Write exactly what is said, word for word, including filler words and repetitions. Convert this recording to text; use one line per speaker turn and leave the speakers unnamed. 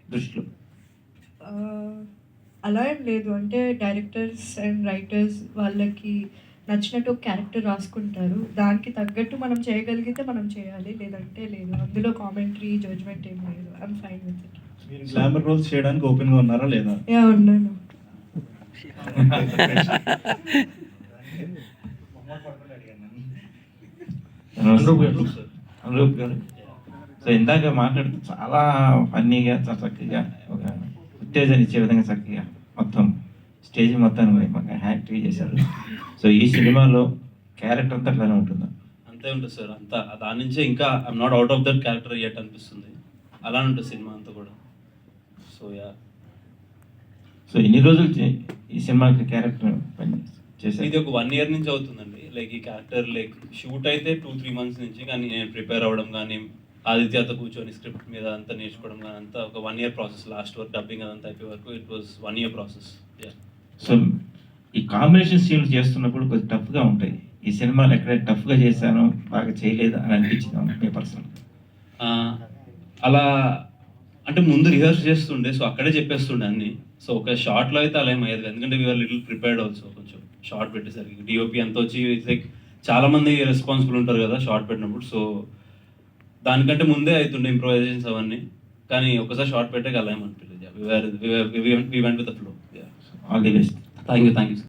దృష్టిలో?
అలా ఏం లేదు. అంటే డైరెక్టర్స్ అండ్ రైటర్స్ వాళ్ళకి నచ్చినట్టు ఒక క్యారెక్టర్ రాసుకుంటారు. దానికి తగ్గట్టు మనం చేయగలిగితే మనం చేయాలి. లేదంటే లేదు. అందులో కామెంటరీ, జడ్జ్‌మెంట్ ఏం లేదు. I am fine with it.
మీరు గ్లామర్ రోల్స్ చేయడానికి ఓపెన్‌గా ఉన్నారా లేదా?
యాహ్! ఉన్నాను.
అనురూప్ గారు అనురూప్ గారు సో ఇందాక మాట్లాడుతూ చాలా ఫన్నీగా చాలా చక్కగా ఒక ఉత్తేజాన్ని ఇచ్చే విధంగా చక్కగా మొత్తం స్టేజ్ మొత్తాన్ని బాగా హ్యాక్టివ్ చేశారు. సో ఈ సినిమాలో క్యారెక్టర్ అంతా అట్లానే ఉంటుందా?
అంతే ఉంటుంది సార్. అంతా దాని నుంచే ఇంకా I'm not out of that character at అనిపిస్తుంది. అలానే ఉంటుంది సినిమా అంతా కూడా. So yeah.
సో ఎన్ని రోజులు చే- ఈ సినిమాకి క్యారెక్టర్ పని చేశారు?
ఇది ఒక వన్ ఇయర్ నుంచి అవుతుందండి. లైక్ ఈ క్యారెక్టర్ లైక్ షూట్ అయితే టూ త్రీ మంత్స్ నుంచి, కానీ నేను ప్రిపేర్ అవ్వడం కానీ ఆదిత్యతో కూర్చొని స్క్రిప్ట్ మీద అంతా నేర్చుకోవడం కానీ అంతా ఒక one year process. Last work dubbing అదంతా అయిపోయే వరకు it was one year process. Yeah.
So ఈ కాంబినేషన్ సీన్లు చేస్తున్నప్పుడు కొంచెం టఫ్గా ఉంటాయి. ఈ సినిమాలు ఎక్కడ టఫ్గా చేశాను బాగా చేయలేదు అని అనిపించింది మీ పర్సన్?
ఆ, అలా అంటే ముందు రిహర్స్ చేస్తుండే, సో అక్కడే చెప్పేస్తుండే అన్ని. సో ఒక షార్ట్లో అయితే అలా ఏం అయ్యేది, ఎందుకంటే వీఆర్ లిటిల్ ప్రిపేర్డ్ ఆల్సో. కొంచెం షార్ట్ పెట్టేసరికి డిఓపి అంతా వచ్చి లైక్ చాలా మంది రెస్పాన్సిబుల్ ఉంటారు కదా షార్ట్ పెట్టినప్పుడు. సో దానికంటే ముందే అవుతుండే ఇంప్రొవైజేషన్స్ అవన్నీ. కానీ ఒకసారి షార్ట్ పెట్టాక అలా ఏమనిపించలేదు. We went with the flow.
All the best.
Thank you thank you